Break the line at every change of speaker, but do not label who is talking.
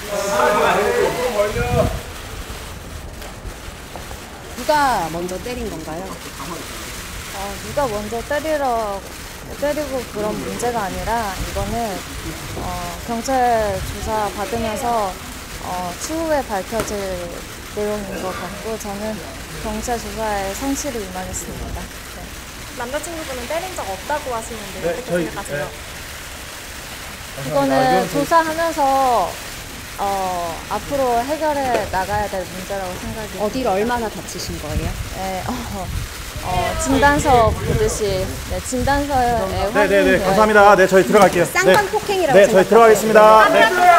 누가 먼저 때린 건가요?
누가 먼저 때리고 그런 문제가 아니라 이거는 경찰 조사 받으면서 추후에 밝혀질 내용인 것 같고 저는 경찰 조사에 성실히 임하겠습니다. 네.
남자친구분은 때린 적 없다고 하시는데 어떻게 생각하세요?
이거는 조사하면서 앞으로 해결해 나가야 될 문제라고 생각이
어디를 얼마나 다치신 거예요?
네, 진단서 보듯이 진단서에 확인이
네네네
되어
감사합니다. 네 저희 들어갈게요.
쌍방폭행이라고
네 저희
생각하세요?
들어가겠습니다. 네.